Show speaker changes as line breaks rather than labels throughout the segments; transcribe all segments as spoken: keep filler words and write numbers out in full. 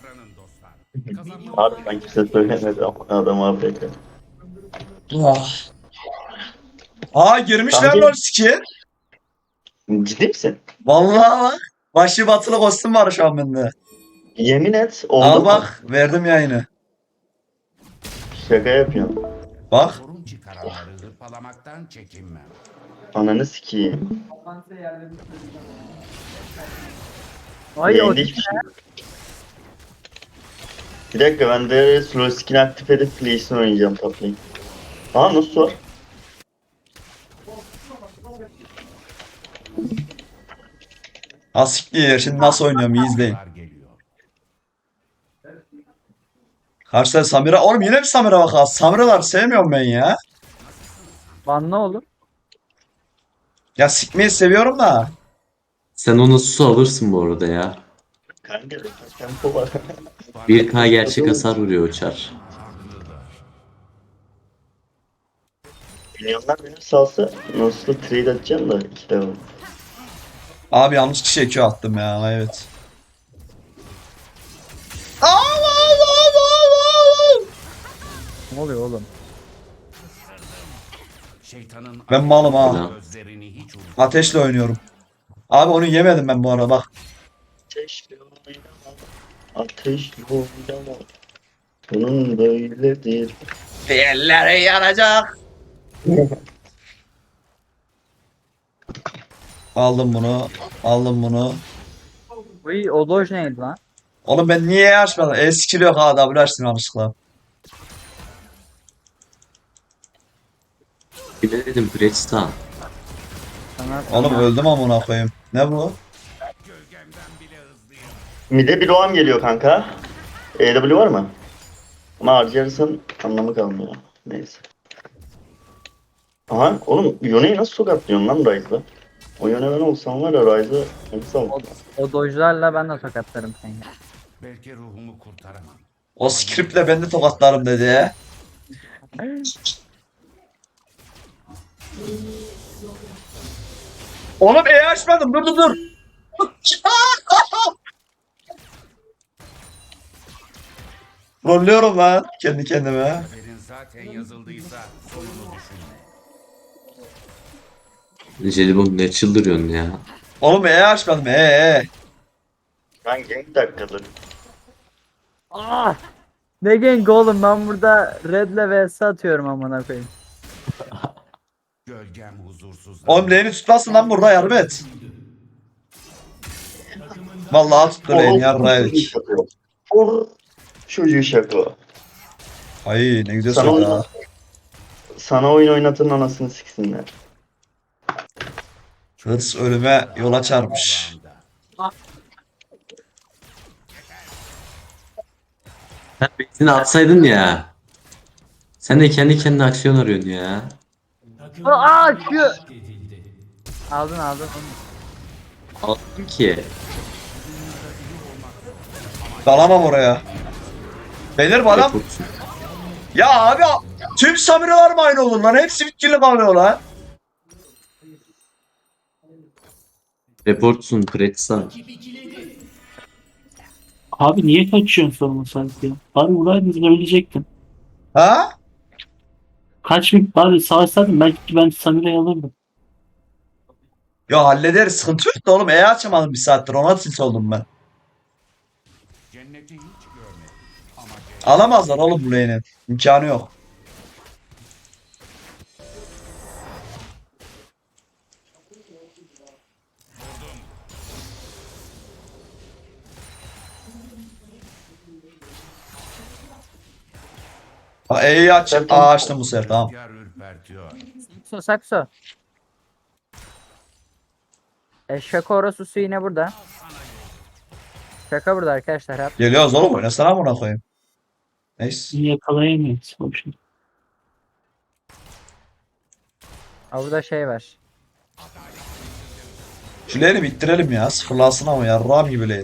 davranın dostlar.
Abi ben kimse söylemedi ama adam A F K.
Ah. Aa girmişler
Kanka
lan skin.
ciddi misin?
Vallahi bak. Başı batılı kostüm var şu an bende.
Yemin et oldu
Al
mu?
bak verdim yayını.
Şaka yapıyorsun.
Bak.
Sorun çıkaranları hırpalamaktan çekinmem.
Ananı sikeyim.
Ay o
Yayında hiçbir şey yok. Bir dakika ben de slow skin aktif edip Playstation oynayacağım top lane. Aa nasıl var?
Asiktir. Şimdi nasıl oynuyorum iyi izleyin.
Var geliyor.
Karşıda Samira. Oğlum yine bir Samira bak ha. Samiralar sevmiyorum ben ya.
banla oğlum.
Ya sikmeyi seviyorum da.
Sen ona su alırsın bu arada ya.
Kanka tempo var.
bir K gerçek hasar vuruyor uçar.
Milyonlar beni salsa nasıl trade atacağım da iki defa.
Abi yanlış kişiye Q attım ya. Evet. Allah Allah Allah Allah.
Ne oluyor oğlum?
Şeytanın
Ben malım ha.
Selam.
gözlerini hiç unutma.
Ateşle oynuyorum. Abi onu yemedim ben bu arada bak.
Ateşli oynama. Ateşli oynama. Bunun böyledir.
Elleri yanacak. Aldım bunu. Aldım bunu.
Uy o doj neydi lan?
Oğlum ben niye açmadım? E skill yok ha. W açtım yanlışlıkla.
Bir de dedim Bridgestone.
Sana
Oğlum öldüm amına koyayım. Ne bu?
Mide bir roam geliyor kanka. E W var mı? Ama harcarsan anlamı kalmıyor. Neyse. Aha oğlum Yone'yi nasıl tokatlıyorsun lan Ryze'la? O Yone ben olsam var ya Ryze'ı nasıl
o,
al?
o dojlarla ben de tokatlarım seni.
Belki ruhumu kurtaramam.
O scriptle ben de tokatlarım dedi ya. Oğlum E açmadım. Dur dur dur. Rolluyorum lan kendi kendime.
Kaderin zaten yazıldıysa sonunu düşünme.
Jelibon ne çıldırıyorsun ya?
Oğlum E açmadım. E E.
Ben gank dakikaları.
Ah! Ne gank oğlum ben burada Red'le vs atıyorum amına koyayım.
Gölgem huzursuz.
Oğlum lane'i tutmasın lan burada yardım et. Vallahi tuttu lane yarraydık.
Or çocuğu şaka.
Ay ne güzel
Sana,
söyledi
oyun,
ha.
sana oyun oynatın anasını siksinler.
Hırs ölüme yol açarmış.
Sen benzini atsaydın ya. Sen de kendi kendine aksiyon arıyorsun ya.
Aa şu. Aldın aldın.
Aldım ki.
Dalamam oraya. Beyler bu adam.
Reportsun.
Ya abi tüm Samiralar mı aynı olur lan? Hepsi bitkili kalıyor lan.
Reportsun Bridgestone.
Abi niye kaçıyorsun sorma sanki ya? Bari vuraydınız ölecektin.
Ha?
Kaç bin bari savaşsaydın belki ben Samira'yı alırdım.
Ya hallederiz sıkıntı yok da oğlum E açamadım bir saattir ona tilt oldum ben.
Cenneti hiç görmedim. Ama
Alamazlar oğlum bu lane'i. İmkanı yok. Ha E'yi aç. Aa açtım bu sefer tamam.
rüzgar ürpertiyor.
Sakso sakso. E şaka orası su yine burada. Şaka burada arkadaşlar hep.
Geliyoruz oğlum oynasana buna koyayım. Neyse.
Bizi yakalayamayız. Boşuna.
Aa, burada şey var.
Şu lane'i bittirelim ya. Sıfırlansın ama yarrağım gibi lane.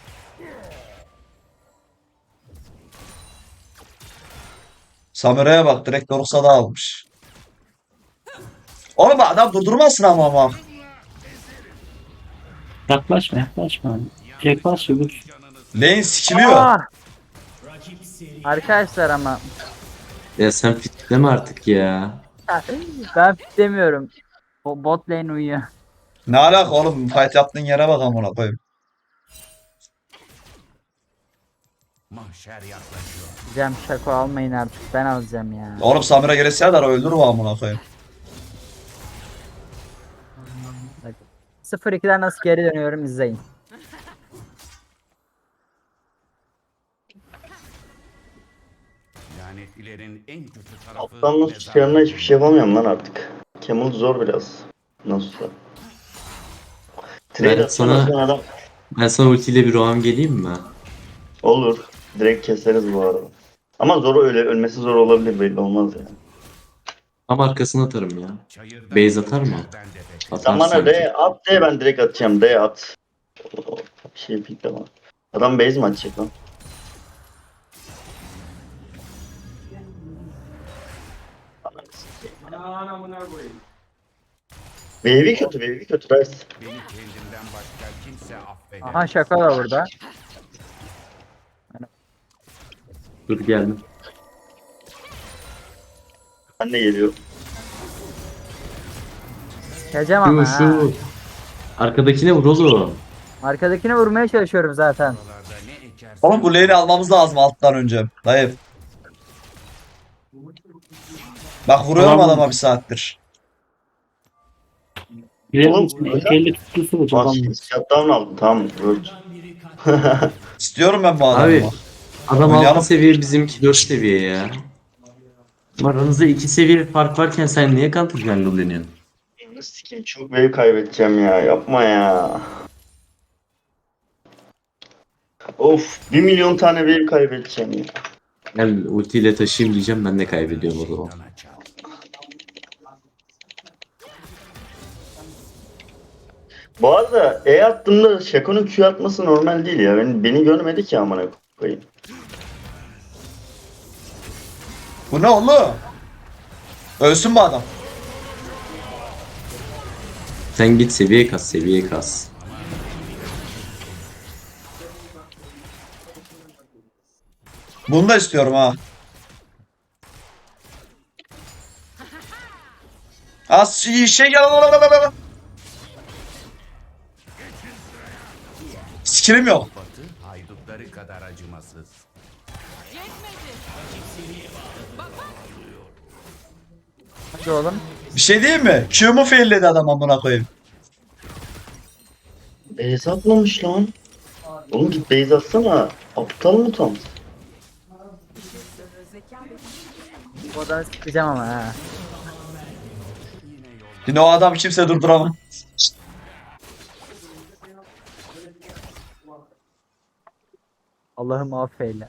Samira'ya bak direkt Doruksa da almış. Oğlum adam durdurmasın ama ama.
Yaklaşma yaklaşma. Yaklaş öbür.
Canını
Lane sikiliyor.
Aa! Arkadaşlar ama
Ya sen fitleme artık ya.
ben demiyorum. O bot lane uyuyor.
Ne alaka oğlum? Fight yaptığın yere bak amına koyayım.
Mahşer yaklaşıyor.
Cem şako almayın artık, ben alacağım ya.
Oğlum Samira gelirse de öldür o amına koyayım.
sıfır ikiden nasıl geri dönüyorum izleyin.
Lanetlilerin en kötü tarafı
Alttan nasıl çıkarına hiçbir şey yapamıyorum lan artık. Camel zor biraz. Nasılsa. Trade
Ben
atsana
sana-
sen adam.
Ben sana ultiyle bir roam geleyim mi?
Olur. Direkt keseriz bu arada. Ama zor öyle ölmesi zor olabilir, belli olmaz yani.
Tam arkasına atarım ya.
çayırda
Base atar mı?
ben de pek-
Atar
Sen bana
sanki.
D at de, ben direkt atacağım. D at. O- Bir şey pikleme. Adam base mi atacak lan? Ananı sikeyim. Wave'i kötü, wave'i kötü Rice.
Beni kendimden başka kimse affedemez.
Aha şaka da burada.
Dur geldim.
Ben de geliyorum.
Geleceğim ama
Şu
ha.
şu. Arkadakine vur oğlum.
Arkadakine vurmaya çalışıyorum zaten.
Oralarda ne ekersen
Oğlum bu lane'i almamız lazım alttan önce. Dayı. Bak vuruyorum
Tamam.
adama bir saattir.
Girelim
Oğlum,
misin?
öyle-
elli tutlusu bu
Bas,
adam.
shutdown aldım, tamam. Word.
İstiyorum ben bu adamı.
Abi adam
Oynayalım.
altı seviye, bizimki dört seviye ya. Aranızda iki seviye fark varken sen niye counter jungle deniyorsun?
Sikeyim, çok wave kaybedeceğim ya, yapma ya. Of, bir milyon tane wave kaybedeceğim ya.
Gel ultiyle taşıyayım diyeceğim, ben de kaybediyorum o zaman.
sana çal.
Bu arada E attığımda Shaco'nun Q atması normal değil ya. Beni, beni görmedi ki amına koyayım.
Bu ne oğlum? Ölsün bu adam.
Sen git seviye kas, seviye kas.
Bunu da istiyorum ha. Az şey şey gel. Skillim yok.
Batı haydutları kadar acımasız.
Hadi oğlum.
Bir şey diyeyim mi? Q'mu failledi adam amına koyayım.
Base atmamış lan. Oğlum git base atsana. Aptal mı tam?
Bu adamı sıkacağım ama ha.
Yine o adam kimse durduramaz.
Allah'ım affeyle.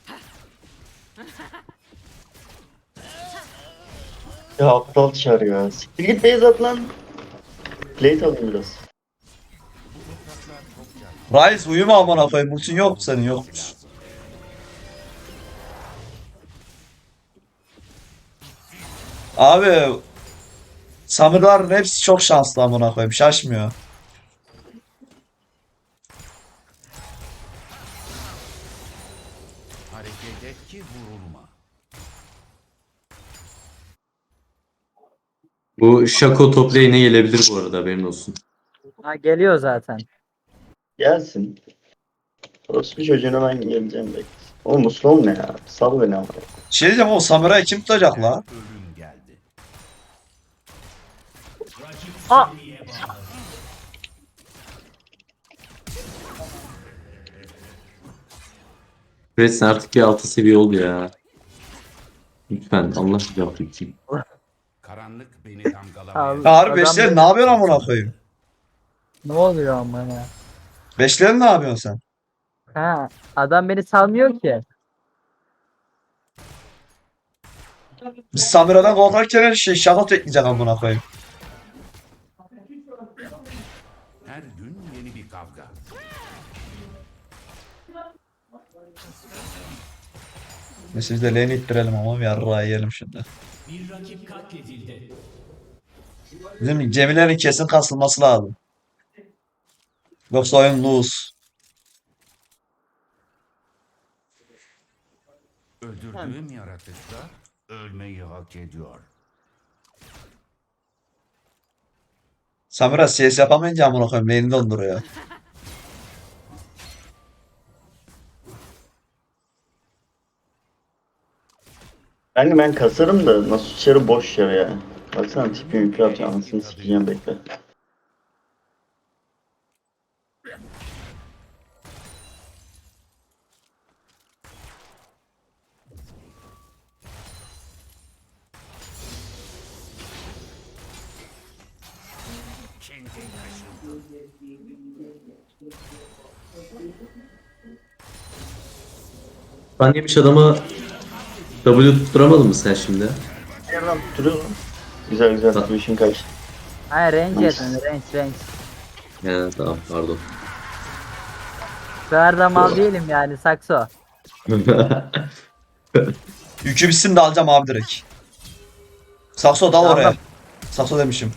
Ya aptal çağır ya. Siktir git base at lan. Plate alayım biraz.
Rice uyuma amına koyayım. Ultin yok mu senin, yok. Abi Samir'ların hepsi çok şanslı amına koyayım. Şaşmıyor.
Hareket et ki vurulma.
Bu Shaco top lane'e gelebilir bu arada, haberin olsun.
Ha geliyor zaten.
Gelsin. Orospu çocuğuna ben geleceğim bekle. Oğlum bu slow ne ya? Sal beni ama.
Şey diyeceğim, o Samira'yı kim tutacak la?
Ölüm geldi.
Aa!
Fred sen artık bir altı seviye ol ya. Lütfen Allah rızası için.
Karanlık beni damgalamaya.
Al.
Ya harbi
Adam
beşler
benim-
ne yapıyorsun amına koyayım?
Ne oluyor ama ya?
Beşler ne yapıyorsun sen?
Ha, adam beni salmıyor ki.
Biz Samira'dan korkarken her şey şaka tekleyecek amına koyayım.
Her gün yeni bir kavga.
Neyse biz de lane'i ittirelim ama bir yarrağı yiyelim şimdi. Bizim Cemile'nin kesin kasılması lazım. Yoksa oyun lose.
Öldürdüğüm yaratıklar ölmeyi hak ediyor.
Samira C S yapamayınca amına koyayım beyni donduruyor.
Kanka ben kasarım da nasıl içeri boş yer ya. Baksana tipi yüklü yapacağım. Anasını sikeceğim bekle.
Kendi taşındı.
Ben yemiş adama W tutturamadın mı sen şimdi?
Yerden tutturuyor mu? Güzel güzel. Bu işin kaçtı.
Hayır range yetmedi range range.
He tamam pardon.
Bu sefer de mal değilim yani sakso.
Yükü bitsin de alacağım abi direkt. Sakso dal oraya.
Aldım.
Sakso demişim.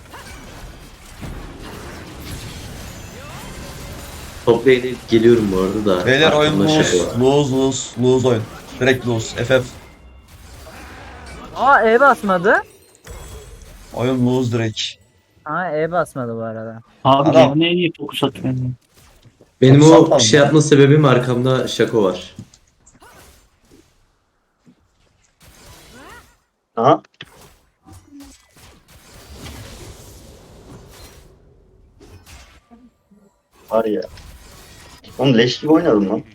Top lane'e geliyorum bu arada da.
Beyler oyun
Arkamda
lose.
şaka var.
Lose lose. Lose oyun. Direkt lose. F F.
Aa E basmadı.
Oyun lose direkt.
Aa E basmadı bu arada.
Abi
Adam.
ya ne iyi fokus atıyor.
Benim
Çok
o
sapalım
şey
ya.
yapma sebebim arkamda şako var.
Aha. Var ya. Oğlum leş gibi oynadım lan.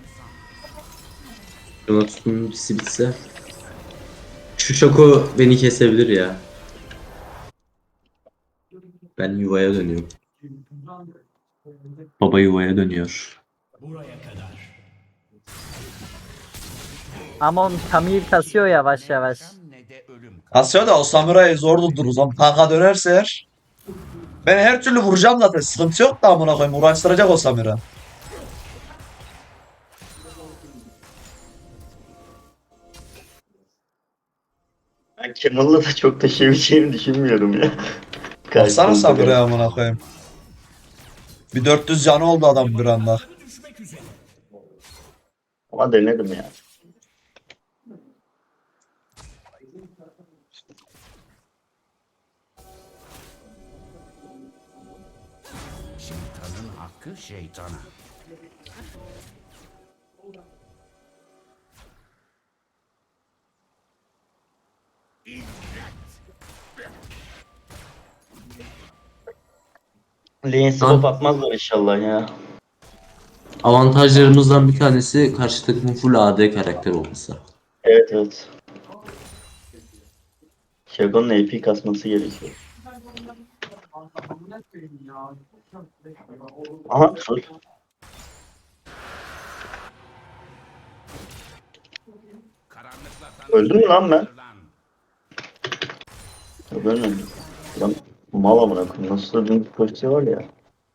Jonathan'ın ultisi bitse. Şu şako beni kesebilir ya. Ben yuvaya dönüyorum. Baba yuvaya dönüyor.
Ama onun Kamil kasıyor yavaş yavaş.
Ne de ölüm.
Kasıyor da o Samurai'yi zor durdururuz. Ama tanka dönerse eğer. Ben her türlü vuracağım zaten. Sıkıntı yok da amına koyayım. Uğraştıracak o Samira.
Ben Kemal'la da çok taşıyabileceğimi düşünmüyorum ya.
Baksana
Karşımızda
Samira'ya amına koyayım. Bir dört yüz canı oldu adam bir anda.
Ama denedim ya.
Şeytanın hakkı şeytana.
Lane swap atmazlar inşallah ya.
Avantajlarımızdan bir tanesi karşı takımın full A D karakter olması.
Evet evet. Şagon'un A P kasması gerekiyor. Aha dur.
Karanlıkla
Öldüm mü lan ben?
Lan.
Yok ölmedim. Lan mal amına koyayım. Nasıl da bir pozisyon var ya.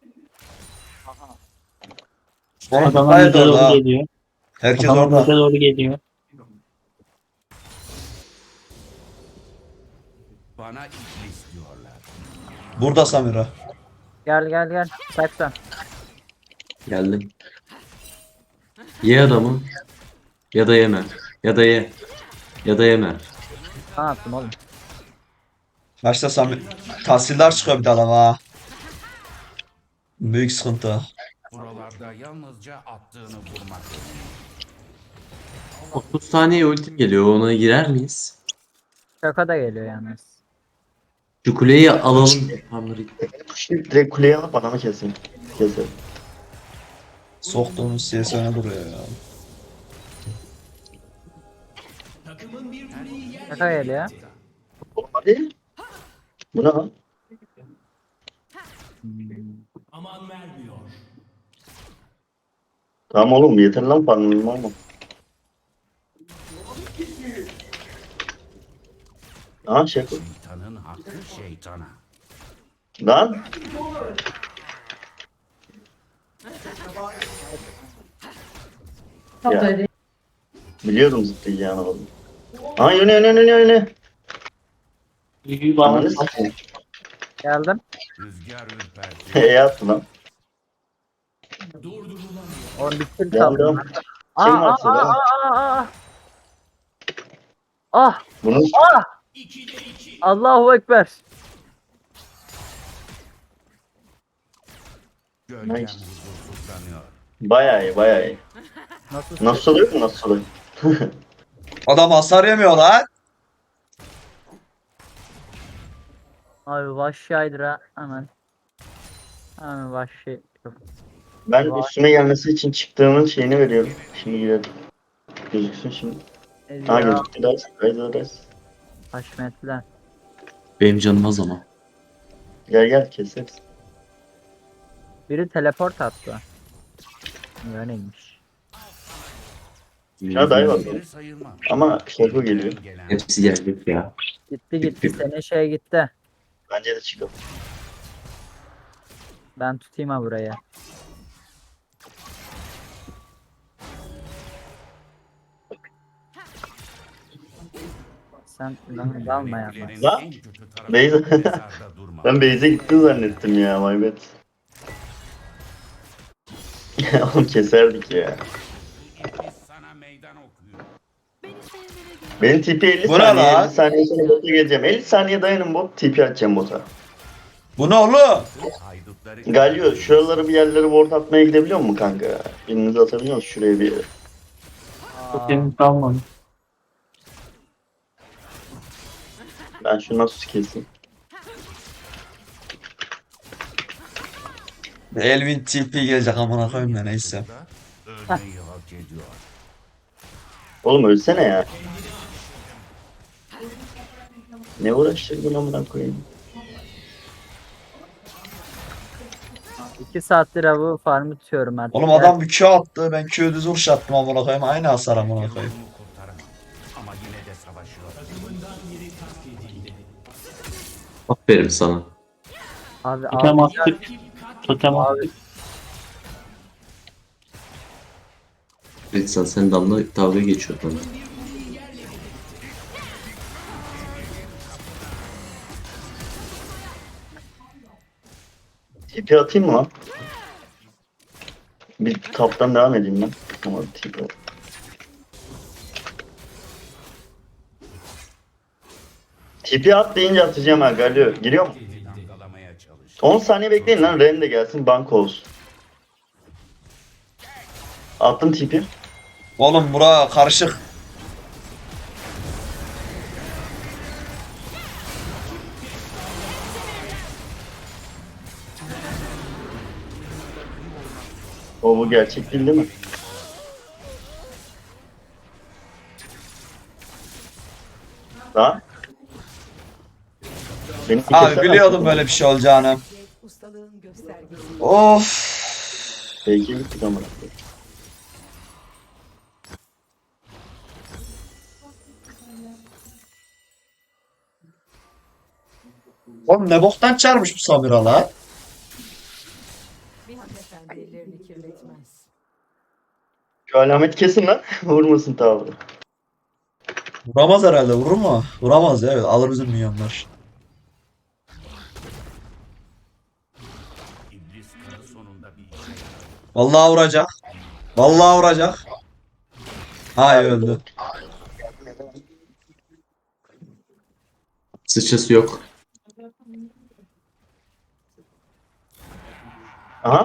Adamlar
Hayır
bize
orada.
doğru geliyor.
Herkes
Adamlar
orada.
bize doğru geliyor.
Bana iblis diyorlar.
Burada Samira.
Gel gel gel. Sakso.
Geldim. Ye adamı. Ya da yeme. Ya da ye. Ya da yeme.
Ne yaptım oğlum?
Başta Samir. Tahsildar çıkıyor bir de adam ha. Büyük sıkıntı.
Buralarda yalnızca attığını vurmak.
otuz saniye ultim geliyor. Ona girer miyiz?
Şaka da geliyor yalnız.
Şu kuleyi alalım. Hamri.
Şimdi direkt kuleye alıp adamı kesin. Kesin.
Soktuğumuz C S öne duruyor ya.
Şaka geliyor.
Hadi. Bu ne lan? Tamam oğlum yeter lan parmağım ama. Aha şey koy.
Şeytanın hakkı şeytana.
Lan. Ya. Biliyordum zıplayacağını oğlum. Aha yöne yöne yöne yöne.
Büyüğü bağlı.
Ananı sikeyim.
Geldim.
Rüzgar ürperti.
E yaptı lan.
Oğlum bir kill
Devam
kaldı.
devam.
Aa
Kim
aa
varsa
aa
devam.
aa aa. Ah!
Bunu
Allahu Ekber.
Gölgem
Nice.
huzursuzlanıyor.
bayağı iyi bayağı iyi.
Nasıl?
Nasıl oluyor mu nasıl oluyor?
Adam hasar yemiyor lan.
Abi vahşi Hydra hemen. Hemen vahşi.
Ben
Vay.
üstüme gelmesi için çıktığımın şeyini veriyorum. Şimdi gidelim. Gözüksün şimdi. Ha
Ya
gözüktü ders. Kaydı ders.
haşmetler.
Benim canım az ama.
Gel gel keseriz.
Biri teleport attı. Öyleymiş.
Ya dayı bak.
Biri sayılmam.
Ama şaka geliyor.
Gelen
Hepsi gelecek ya.
Gitti gitti. Senin şey gitti.
Bence de çıkalım.
Ben tutayım ha burayı. Sen lan dalma yapma.
Kulelerin
Lan,
en kötü tarafı
Beyza.
mezarda durmak.
Ben base'e gitti zannettim ya. My bad. Oğlum keserdik ya.
Biz sana meydan okuyor.
Benim T P elli
Bu ne
saniye.
lan?
elli saniye sonra bota geleceğim. elli saniye dayanın bot. T P atacağım bota.
Bu ne oğlum?
Haydutları
Galio şuraları bir yerlere ward atmaya gidebiliyor mu kanka? Birinizi atabiliyor musun şuraya bir yere?
Aa,
Benim kalmadı.
Ben şunu nasıl keseyim?
Elvin T P gelecek amına koyayım da neyse.
ölmeyi hak ediyor.
Oğlum ölsene ya. Ne uğraştırdın amına koyayım?
iki saattir avı farmı tutuyorum artık.
Oğlum adam bir Q attı. Ben Q düz vuruş attım amına koyayım. Aynı hasar amına koyayım.
Yolumu kurtaramam. Ama yine de savaşıyor.
Aferin sana.
Abi
Totem
abi,
attık. Totem
Abi.
attık.
Ritsan sen damla dalga geçiyor bana.
T P atayım mı lan? Bir taptan devam edeyim ben. Ama T P at. T P at deyince atacağım ha Galio. Giriyor mu?
Damgalamaya çalış.
on saniye bekleyin lan. Ren de gelsin. Banko olsun. Attım T P.
Oğlum bura karışık.
O bu gerçek değil değil mi? Lan. Beni
Abi
kesene.
biliyordum böyle bir şey olacağını.
Ustalığın göstergesi.
Of.
Peki gittik ama.
Oğlum ne boktan çarmış bu Samira lan.
Bir hanımefendi ellerini kirletmez.
Şu alamet kesin lan. Vurmasın tavrı.
Vuramaz herhalde, vurur mu? Vuramaz ya, evet, alır bizim milyonlar.
İblis kanı sonunda bir işe yarar.
Vallahi vuracak. Vallahi vuracak. Hay öldü.
Sıçrası yok.
Aha.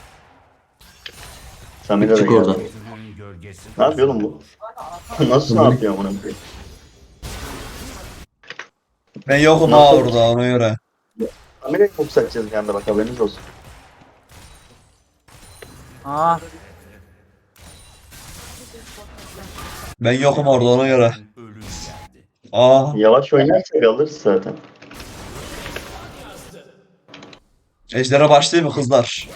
Samira da
Çık
geldi.
oradan.
Özünün gölgesi.
Ne yapıyor oğlum bu? Nasıl ne yapıyor bunu?
Ben yokum
Nasıl?
ha orada, ona göre.
Samira'yı çok satacağız bir anda bak haberiniz olsun.
Ah
Ben yokum orada, ona göre.
Ölüm geldi.
Aa,
Yavaş oynarsak alırız zaten.
ejdere başlayayım mı kızlar?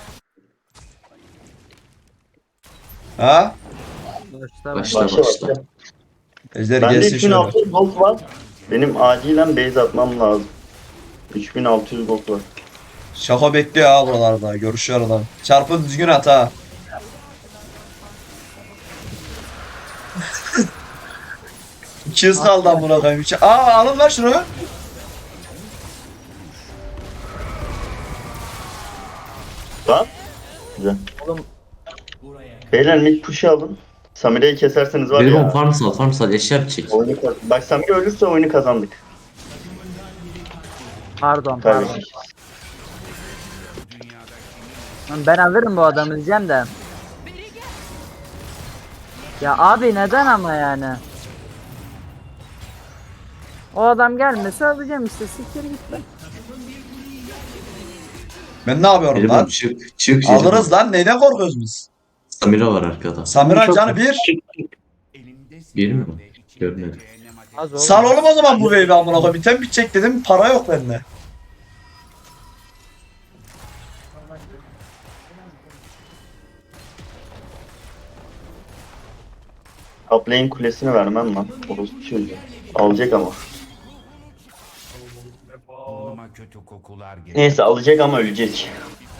Ha?
başta
Başla
Başla
başla.
başla.
Ejder
Bende
gelsin şöyle.
üç bin altı yüz gold var. Benim acilen base atmam lazım. üç bin altı yüz gold var.
Şako bekliyor ha buralarda. Görüşüyor adam. Çarpın düzgün at ha. İki hız kaldı amına koyayım. İki- Aa, alın lan şunu.
Lan. Güzel.
Oğlum.
Beyler mid push'u alın. Samire'yi keserseniz var
Benim
ya.
on farm sal farm sal eşya yapacak.
Oyunu kaz- Bak Samire ölürse oyunu kazandık.
Pardon pardon.
Kaybettik.
Lan ben alırım bu adamı diyeceğim de. Ya abi neden ama yani? O adam gelmese alacağım işte, siktir git lan.
Ben ne yapıyorum
Benim
lan?
çık çık.
Alırız lan, neyden korkuyoruz biz?
Samira var arkada.
Samira
Çok-
canı bir.
Çık, çık.
Bir mi? Görmedim.
Az oğlum.
Sal oğlum o zaman bu wave'i amına koyayım. Biten bitecek dedim, para yok bende.
Top lane kulesini vermem lan. Orospu çocuğu. Alacak ama.
Burnuma kötü kokular geliyor.
Neyse alacak ama ölecek.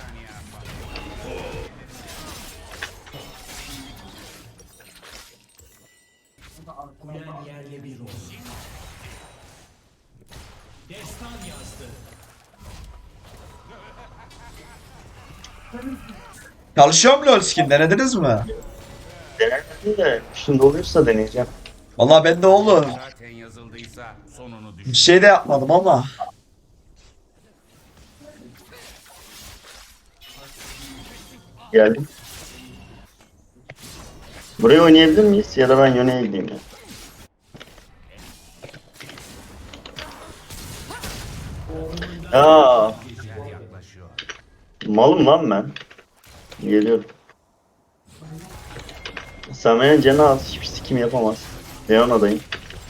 Çalışıyor mu LoL skin, denediniz mi?
Denemedim de şimdi olursa deneyeceğim.
Vallahi ben de olur.
Zaten yazıldıysa sonunu düşün.
Bir şey de yapmadım ama.
Geldim. Burayı oynayabilir miyiz? Ya da ben yöne'ye gideyim ya. Aa,
Geceler yaklaşıyor.
malım lan ben. Geliyorum. Samer'in canı az, hiçbir sikim yapamaz. Leona'dayım.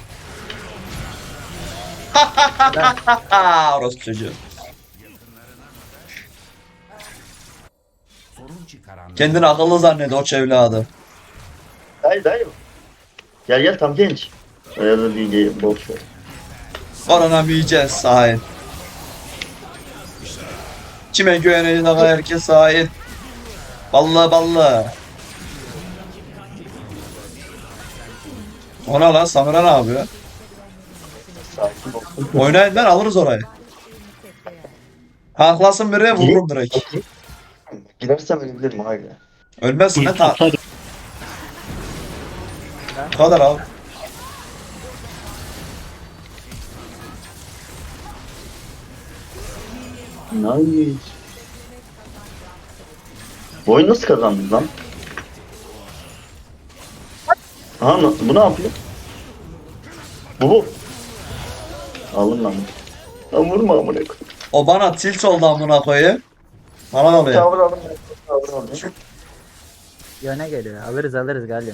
Ha, orası çocuğu.
Sorun çıkaran
Kendini akıllı zannediyor o çevladı.
Hayır hayır. Gel gel tam genç. Ya da bir gel, boş ver.
Koronamayacağız sahip. Kime güveneceğiz ama herkes sahip. Ballı ballı. Ona lan Samira ne yapıyor?
Sakin ol.
Oynayın lan, alırız orayı. Haklasın biri, vururum direkt.
Girersem ölebilirim hayır.
Ölmezsin ne ta.
Atar.
Bu kadar abi.
Nice. Bu oyunu nasıl kazandın lan? Aha na- bu ne yapıyor? Bu bu. Alın lan. Lan vurma amına koyayım.
O bana tilt oldu amına koyayım. Bana ne oluyor?
Tavır alın. Tavır alın.
Yöne geliyor. Alırız alırız galiba.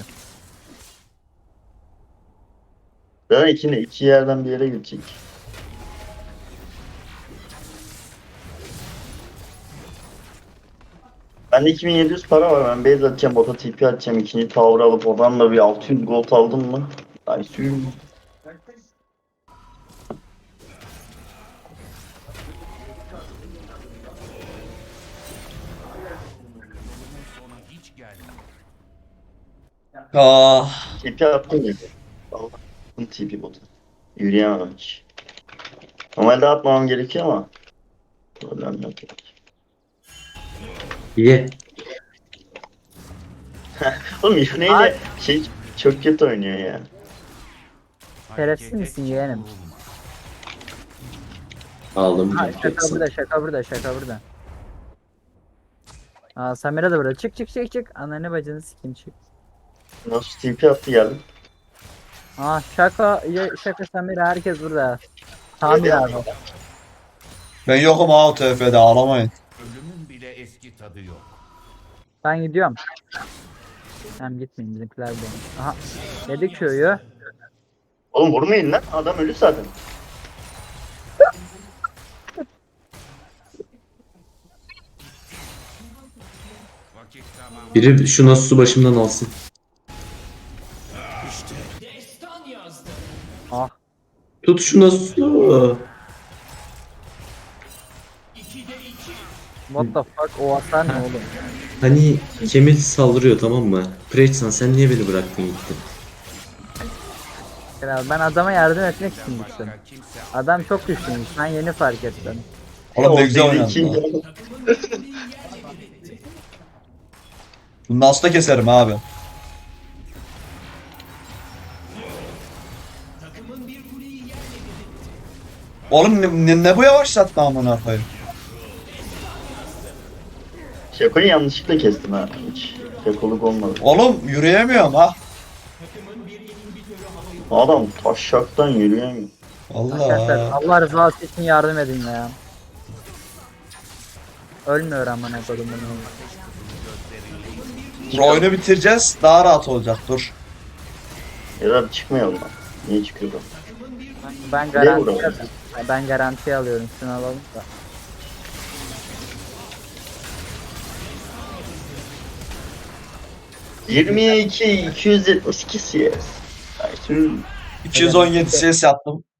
Ben iki, iki yerden bir yere gidecek. Bende iki bin yedi yüz para var. Ben base atacağım, bota T P atacağım. İkinci tower alıp oradan da bir altı yüz gold aldım mı? Ay suyum.
sonu hiç gelmiyor.
Ah.
T P attım ya. Allah'ım T P bota. Yürüyemem hiç. Normalde atmamam gerekiyor ama. Problem yok.
Ye.
Oğlum Yune'yle
Ay.
şey çok kötü oynuyor ya.
Şerefsiz
Harekete
misin yeğenim?
vurma.
Aldım.
Ha, şaka burada şaka burada şaka burada. Aa Samira da burada. Çık çık çık çık. Ananı bacını sikeyim çık.
Nasıl T P attı geldi.
Aa şaka ya, şaka Samira herkes burada. Tamir abi.
Ben yokum ha o T F'de, ağlamayın.
Ölümün bile eski tadı yok.
Ben gidiyorum. Hem gitmeyin bizimkiler de. Aha. Yedik köyü.
Oğlum vurmayın lan, adam ölü zaten.
Vakit tamam.
Biri şu Nasus'u başımdan alsın.
Ah.
Tut şu Nasus'u.
What the fuck o hasar ne oğlum?
Hani Kemil saldırıyor tamam mı? Preçsan sen niye beni bıraktın gittin?
Kral, ben adama yardım etmek için gittim.
Başka kimse
Adam çok güçlüymüş. Ben yeni fark ettim.
Oğlum ne güzel
O
oynadın
iki-
lan. Bunu nasıl da keserim abi. Oğlum ne, ne, ne bu yavaşlatma amına koyayım.
Şakoyu yanlışlıkla kestim ha. Hiç şakoluk olmadı.
Oğlum yürüyemiyorum ha.
Adam taşşaktan yürüyemiyor.
Arkadaşlar
Allah.
Allah rızası için yardım edin ya. Ölmüyor amına koydum bunu.
Dur oyunu bitireceğiz. Daha rahat olacak dur.
Ya çıkmayalım lan. Niye çıkıyor bu?
Ben
Ne
garanti
uğraşıyorsun?
ben garanti alıyorum. Şunu alalım da.
yirmi iki iki yüz yetmiş iki C S. Ay, şu-
iki yüz on yedi C S yaptım.